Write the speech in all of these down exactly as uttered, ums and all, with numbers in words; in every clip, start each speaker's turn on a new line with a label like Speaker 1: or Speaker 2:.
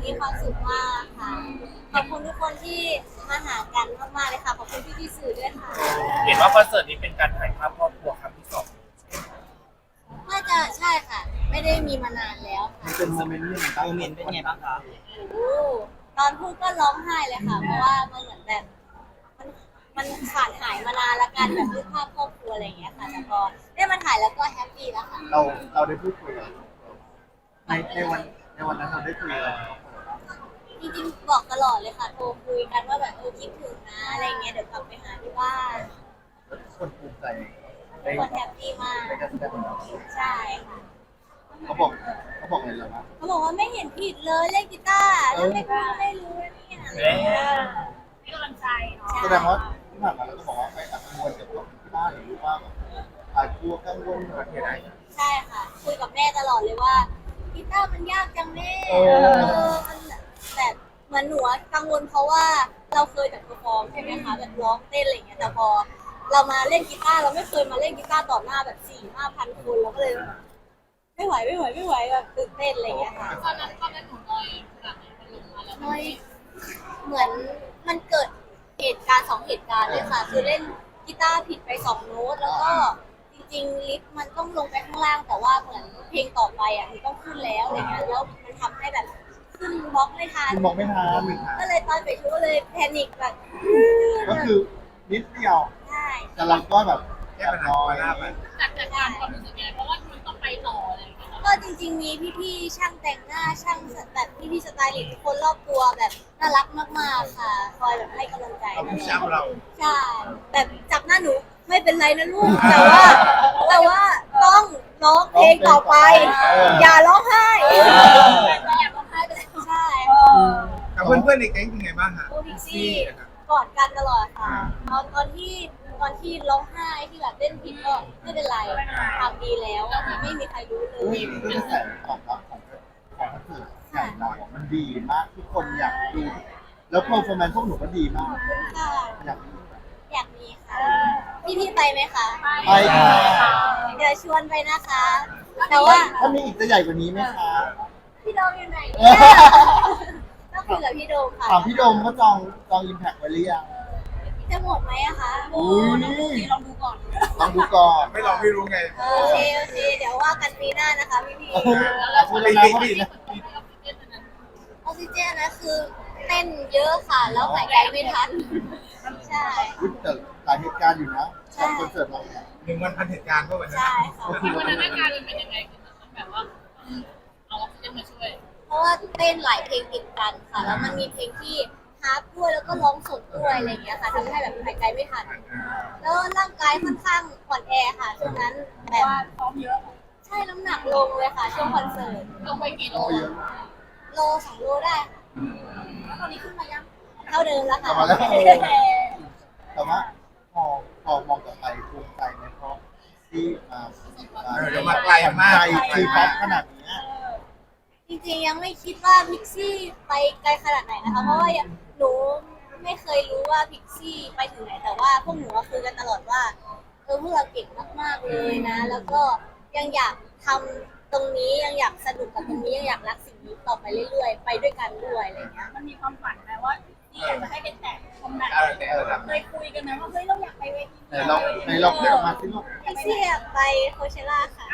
Speaker 1: มีความสุขมากค่ะขอบคุณทุกคนที่มาหากันมากๆเลยค่ะขอบคุณพี่ๆสื่อด้วยค่ะ
Speaker 2: เห็นว่าคอนเสิร์ตนี้เป็นการถ่ายภาพครอบครัวครั้งที่สอง
Speaker 1: น่าจะใช่ค่ะ ไม่ได้มีมานานแล้วค่ะ
Speaker 3: มันเป็นโมเมนต์ยังไงบ้างโมเมนต์เป็นไงบ้างคะ
Speaker 1: โอ้ตอนพูดก็ร้องไห้เลยค่ะ เพราะว่ามันเหมือนแบบมันมันขาดหายมานานละกันแบบรูปภาพครอบครัวอะไรอย่างเงี้ยค่ะแต่พอได้มาถ่ายแล้วก็แฮปปี้แล้วค่ะ
Speaker 3: เราเราได้พูดคุยกันในในวันในวันนั้นเราได้คุยอะไรกับเขาบ้าง
Speaker 1: จริงๆบอกตลอดเลยค่ะโทรคุยกันว่าแบบเออคิดถึงนะอะไรเงี้ยเดี๋ยวกลับไปหาที่บ้าน
Speaker 3: คนภูมิใจ
Speaker 1: ทุกคนแฮปปี้มาก
Speaker 3: ในการแสดงของเรา
Speaker 1: ใช่ค่ะ
Speaker 3: เขาบอกเขาบอกอะไรเราบ้าง
Speaker 1: เขาบอกว่าไม่เห็นผิดเลยเล่นกีตาร์แล้วไม่ก็ไม่รู้นะเนี่ยอะไรเงี้ย
Speaker 4: ให้กำลังใจเนาะ
Speaker 3: แสดงว่าที่ผ่านมาเราก็บอกว่าไปอัดกังวลกับที่บ้านหรือว่าแบบอาจกลัวกังวลอะไรอย่างเงี้ย
Speaker 1: ใช่ค่ะคุยกับแม่ตลอดเลยว่ากีตาร์มันยากจังแม่
Speaker 3: เอ
Speaker 1: เอ
Speaker 3: อ
Speaker 1: อมันแบบเหมือนหนูอะกังวลเพราะว่าเราเคยแต่เพอร์ฟอร์มใช่ไหมคะแบบร้องเต้นอะไรเงี้ยแต่พอเรามาเล่นกีตาร์เราไม่เคยมาเล่นกีตาร์ต่อหน้าแบบสี่ห้าพันคนเราก็เลย ไม่ไหวไม่ไหวไม่ไหวแบบตื่นเต้นอะไรเงี้ยค่ะ
Speaker 4: ตอนนั้นตอนนั้นหนูน้อยขนาดไหนมันลงมาแล้ว
Speaker 1: น้อยเหมือนมันเกิดเหตุการณ์สองเหตุการณ์เลยค่ะ คือเล่นกีตาร์ผิดไปสองโน้ตแล้วก็จริงๆลิฟต์มันต้องลงไปข้างล่างแต่ว่าเหมือนเพลงต่อไปอ่ะมันต้องขึ้นแล้วอะไรเงี้ยแล้วมันทำให้แบบขึ้นบล็อกไม่ทัน
Speaker 3: คุณบอกไม่ทัน
Speaker 1: ก็เลยตอนไปชูก็เลยแพนิคแบบ
Speaker 3: ก็คือนิดเดียว
Speaker 1: ใช่
Speaker 3: แต่เราก็แบบแค่น้อย
Speaker 4: จากจากการความรู้สึกยังไงเพราะว่ามันต้องไปต่ออะไรอย่างเงี้ย
Speaker 1: ก็จริงๆมีพี่ๆช่างแต่งหน้าช่างแบบพี่ๆสไตลิสต์ทุกคนรอบตัวแบบน่ารักมากๆค่ะคอยแบบให้กำลังใจ
Speaker 3: เราผู้ชายเรา
Speaker 1: ใช่แบบจับหน้าหนูไม่เป็นไรนะลูกแต่ว่าแต่ว่าต้องร้องเพลงต่อไป อย่าร้องไห้แต่แอบร้องไห้ไปแล้วใช่
Speaker 5: กับเพื่อนๆในแก๊งเป็นไงบ้างฮะ
Speaker 1: โอพิกซี่กอดกันตลอดค่ะตอนตอนที่ตอนที่ร้องไห้ที่แบบเล่นผิดก็ไม่เป็นไรทำดีแล้วไม่มีใครรู้เลย
Speaker 3: นี่คือกระแสตอบรับของของคอนเสิร์ตใหญ่เราอ่ะมันดีมากทุกคนอยากดู แล้วโปรโมชั่นพวกหนูก็ดีมาก
Speaker 1: ขอบคุณค่ะ
Speaker 3: อยากดู
Speaker 1: อยากมีค่ะพี่พี่ไปไหมคะ
Speaker 3: ไปค่ะ
Speaker 1: เดี๋ยวชวนไปนะคะ แต่ว่า
Speaker 3: ถ้ามีอีกจะใหญ่กว่านี้ไหมคะ
Speaker 1: พี่โดมอยู่ไหนเนี่ยต้องคุยกับพี่โดมค่ะ
Speaker 3: ถามพี่โดมก็จองจองอิมแพคไว้หรือยัง
Speaker 1: จะหมดไหมอะคะ
Speaker 3: อุ้ย
Speaker 4: ลองดูก่อน
Speaker 3: ลองดูก่อน
Speaker 5: ไม่ลองไม่รู้ไง
Speaker 1: โอเคโอเคเดี๋ยวว่ากันปีหน้านะคะพี่พี่
Speaker 3: เราพูดแล้วนะว่าดีนะ
Speaker 1: ออกซิเจนนะคือเต้นเยอะค่ะแล้วหายใจไม่ทันใช่
Speaker 3: อุ๊ยแต่หลายเหตุการณ์อยู่นะกับคอนเสิร์ตเราเนี่ย
Speaker 5: หนึ่งวันพันเหตุการณ์ก็วันนั้น
Speaker 1: ใช่ค่ะ
Speaker 4: ที่วันนั้นอาการมันเป็นยังไงคือมันแบบว่าเอาออกซิเจนมาช่วย
Speaker 1: เพราะว่าเต้นหลายเพลงติดกันค่ะ แล้วมันมีเพลงที่ฮาร์ปด้วยแล้วก็ร้องสดด้วยอะไรอย่างเงี้ยค่ะทำให้แบบหายใจไม่ทัน แล้วร่างกายค่อนข้างอ่อนแอค่ะช่วงนั้นแบบ
Speaker 4: ซ้อมเยอะ
Speaker 1: ใช่น้ำหนักลงเลยค่ะช่วงคอนเสิร์ต
Speaker 4: ลงไปกี่โล
Speaker 3: โอ้เยอะ
Speaker 1: โลสองโลได้ค่ะแล้วตอนนี้ขึ้นมายังเท่าเดิมแล้ว
Speaker 3: ก
Speaker 1: ค่ะ
Speaker 3: ลับมาแล้วแต่ว่าพอพอมองกลับไปภูมิใจไหมเพราะที่มา
Speaker 5: เออเดี๋ยวมาไกลมาก
Speaker 3: ไกลคือป๊อปขนาดนี้
Speaker 1: จริงๆยังไม่คิดว่าพิกซี่ไปไกลขนาดไหนนะคะ เพราะว่าหนูไม่เคยรู้ว่าพิกซี่ไปถึงไหน แต่ว่าพวกหนูก็คุยกันตลอดว่าเออพวกเราเก่งมากๆเลยนะ แล้วก็ยังอยากทำตรงนี้ยังอยากสนุกกับตรงนี้ยังอยากรักสิ่งนี้ต่อไปเรื่อยๆ ไปด้วยกันด้วยอะไรอย่างเงี้ย
Speaker 4: มันมีความฝันไหมว่าที่อยากจะให้เป็นแต่คอมแบท
Speaker 5: เออเออครับ
Speaker 4: เคยคุยกันไหมว่าเฮ้ยเราอยากไปเวที
Speaker 3: ในเราในเราเรียกออกมาสิลูก
Speaker 1: พิกซี่อยากไปโคเชล่าค่ะ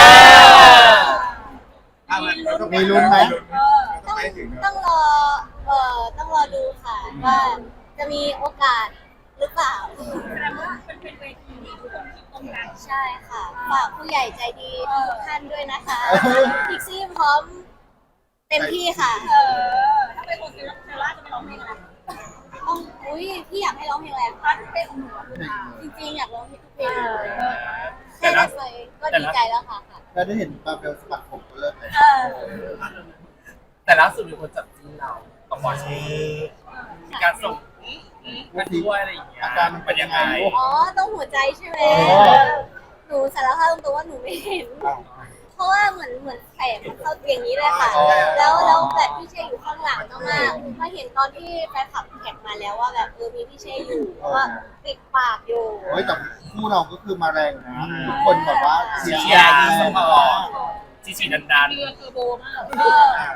Speaker 3: มีลุ้นไหม
Speaker 5: ต้องไปถึง
Speaker 1: ต้องรอ เอ่อ ต้องรอดูค่ะว่าจะมีโอกาสหรือเปล่า
Speaker 4: แสดงว่าเป็นเป็นเวทีที่ทุกคนคิดตรงกัน
Speaker 1: ใช่ค่ะ ฝากผู้ใหญ่ใจดีทุกท่านด้วยนะคะ พิกซี่พร้อมเต็มที่ค่ะ
Speaker 4: เออถ้าไปโคเซล่าจะไปร้องเพลงอะไร
Speaker 1: ต้องอุ้ยพี่อยากให้ร้องเพลงอะไร
Speaker 4: ถ้าเป็นของหนูอะคือทาง
Speaker 1: จริงๆ อยากร้องเพลงทุกเพลงเลยแค่ได้ไปก็ดีใจแล้วค่ะค่ะ
Speaker 3: แล้วได้เห็นปลาเปลสปัดผมก็เลิกเลย
Speaker 4: เออ
Speaker 2: แต่ล่าสุดมีคนจับจิ้นเรากับหมอชีมีการส่งกันด้วยอะไรอย่างเงี้ย
Speaker 3: อาการมันเป็นยังไงลูก
Speaker 1: อ๋อ ต้องหัวใจใช่ไหม
Speaker 3: อ๋อ
Speaker 1: หนูสารภาพตรงๆว่าหนูไม่เห็น
Speaker 3: อ้าว
Speaker 1: เพราะว่าเหมือนเหมือนแผลมันเข้าอย่างนี้เลยค่ะ
Speaker 3: อ๋อ
Speaker 1: แล้วแล้วแบบพี่เชยอยู่ข้างหลังมากๆมาเห็นตอนที่แฟนคลับแท็กมาแล้วว่าแบบเออมีพี่เชยอยู่ว่าปิดปากอยู่
Speaker 3: เฮ้ยแต่คู่เราก็คือมาแรงนะทุกคนแบบว่าเชียร์
Speaker 2: เชียร์
Speaker 3: แร
Speaker 2: ส
Speaker 3: ง
Speaker 2: ปอ
Speaker 3: มา
Speaker 2: ร์
Speaker 3: ก
Speaker 2: ตจีจีดันดัน
Speaker 4: เรือเทอร์โบมาก
Speaker 1: เออ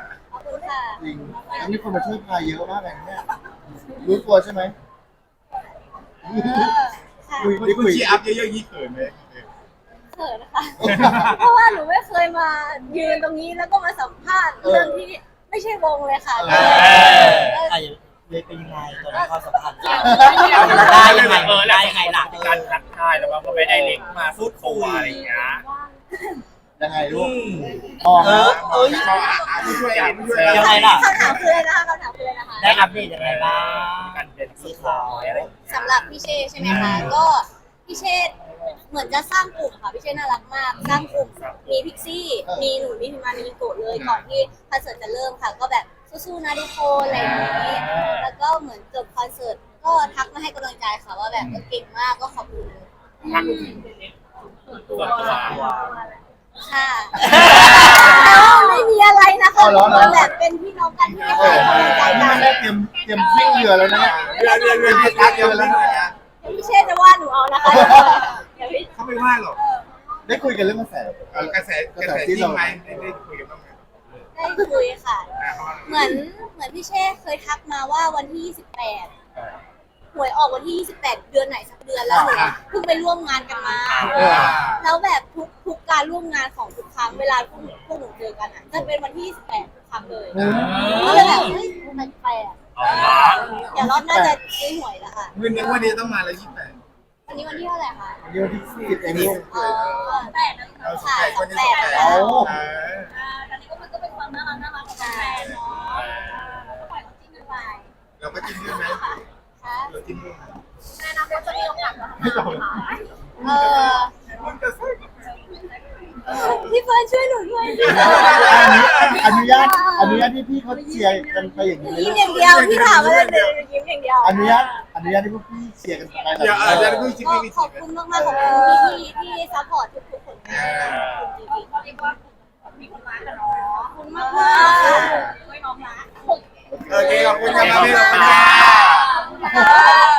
Speaker 1: คุณค่ะ
Speaker 3: จริงแล้วมีคนมาช่วยพายเยอะมากเลยเนี่ยรู้ตัวใช่ไหม
Speaker 1: เออค่ะ
Speaker 3: คุย
Speaker 5: นี่
Speaker 3: คุ
Speaker 5: คุณ
Speaker 3: ย
Speaker 5: ชี้อัพเยอะๆยี่เขินไหม
Speaker 1: เขินนะคะ เพราะว่าหนูไม่เคยมายืนตรงนี้แล้วก็มาสัมภาษณ์เรื่องที่ไม่ใช่วงเลยค่ะ
Speaker 3: เออ
Speaker 6: ไอ้เลยเป็นยังไงตอนนี้ความสัมพันธ์
Speaker 2: ได้
Speaker 6: ได้
Speaker 2: ยั
Speaker 6: ยัง ง
Speaker 2: ไง
Speaker 6: ไง
Speaker 2: เออแล้ว
Speaker 6: ได้ยังไงล่ะ
Speaker 2: มีการทักทายแล้วก็ไปไดเรกมาพูดคุยอะไรอย่างเงี้ย
Speaker 3: ยังไงลูกมอง
Speaker 6: เอ
Speaker 3: นะ
Speaker 6: อเอ้ย
Speaker 5: ไม่ช่วยอ่ะไม่ช่วย
Speaker 6: ยังไงล่ะ
Speaker 1: คำถามคืออะไรนะคะคำถามคืออะไรนะคะ
Speaker 6: ได้อัปเดตยังไงบ้าง
Speaker 2: การเป็นสุดท้ายอะไรอย่างเงี้ย
Speaker 1: สำหรับพี่เชษใช่ไหมคะก็พี่เชษเหมือนจะสร้างกลุ่มค่ะพี่เชษน่ารักมาก สร้างกลุ่มมีพิกซี่มีหนูมีพิมมามีโกะเลยก่อนที่คอนเสิร์ตจะเริ่มค่ะ ก็แบบสู้ๆนะทุกคนอะไรอย่างนี้แล้วก็เหมือนจบคอนเสิร์ตก็ทักมาให้กำลังใจค่ะว่าแบบเออเก่งมากก็ขอบคุณ
Speaker 2: ทักส่วนตัว
Speaker 1: ค่ะแต่ว่าไม่มีอะไรนะคะมันแบบเป็นพี่น้องกันที่
Speaker 3: เอ
Speaker 1: ให้
Speaker 3: อก
Speaker 1: ำลังใจ
Speaker 3: นี่
Speaker 1: กั
Speaker 3: มัน นได้เตรียมเตรียมวิ่งเรือแล้วนะเนี่ย
Speaker 5: เรือเรือเรือเรือเรือแล้วนะ
Speaker 1: พี่เชษจะว่าหนูเอานะคะเดี๋ยวพี่
Speaker 5: เขาไม่ว่าหรอก
Speaker 3: ได้คุยกันเรื่องกระแส
Speaker 5: เออกระแสกระแสจริงไหมได้ได้คุยกันบ้างไหม
Speaker 1: ได้คุยค่ะ
Speaker 5: อ่าเขาว่า
Speaker 1: เหมือนเหมือนพี่เชษเคยทักมาว่าวันที่ยี่สิบแปดหวยออกวันที่ยี่สิบแปดเดือนไหนสักเดือนแล้วหนูเพิ่งไปร่วมงานกันมา
Speaker 3: เออ
Speaker 1: แล้วแบบทุกทุกการร่วมงานของทุกครั้งเวลาพวกหนูพวกหนูเจอกันอ่ะจะเป็นวันที่ยี่สิบแปดทุกครั้งเลยก็เลยแบบเฮ้ยมันแปลก
Speaker 2: อ๋อ
Speaker 1: เดี๋ยวรอบหน้าจะซื้อหวยแล้วค่ะ
Speaker 5: เงินนึกว่านี้ต้องมาแล้วยี่สิบแปด
Speaker 1: วันนี้วันที่เท่าไหร่คะ
Speaker 3: วันนี้วันที่สิบเองลูก
Speaker 1: อ๋อแปดนะ
Speaker 5: เราสิบ
Speaker 1: ค่ะ
Speaker 5: แปดคนนี้
Speaker 1: แป
Speaker 5: สิบ
Speaker 1: ด
Speaker 5: แปด
Speaker 1: แล้ว
Speaker 5: เออ
Speaker 4: ตอนนี้ก็มันก็เป็นความน่ารักน่ารักของแฟนเนาะปล่อยเขาจิ้นกันไป
Speaker 5: เราก็จิ้มด้วยไหม
Speaker 1: ค่ะ
Speaker 5: เราจิ้มด้วย
Speaker 4: ในอนาคตจะมีโอกาสมาทำ
Speaker 5: ไม่
Speaker 4: งาน
Speaker 5: ต้อง
Speaker 4: ไหมคะ
Speaker 1: เออ
Speaker 5: มันจะสู้
Speaker 1: พี่เฟิร์นช่วยหนูด้วย
Speaker 3: อนุญาตอนุญาตที่พี่เขาเชียร์กันไปอย่างนี้เลย
Speaker 1: ยิ้มอย่างเดียวพี่ถามอะไรเลยยิ้มอย่างเดียว
Speaker 3: อนุญาตอนุญาตที่พวกพี่เชียร์กันไปแบบ
Speaker 5: เดี๋ยวเออ
Speaker 3: นี้
Speaker 5: เดี๋ยวพี่จิ้ม
Speaker 1: ก็
Speaker 5: พี่
Speaker 1: ขอบ
Speaker 5: จิ้ม
Speaker 1: คุณมากๆขอบคุณพี่ๆที่ซัพพอร์ตทุกๆผลงานขอบคุณจริง
Speaker 4: เขาเรียกว่ามีคนรักกันเนาะ
Speaker 1: ๆขอบคุณมากๆ
Speaker 4: ช่วยน้องรัก
Speaker 5: โอเคขอบคุณครับพี่ขอบคุณค
Speaker 1: ขอบคุณ
Speaker 5: รับ
Speaker 1: ค่ะ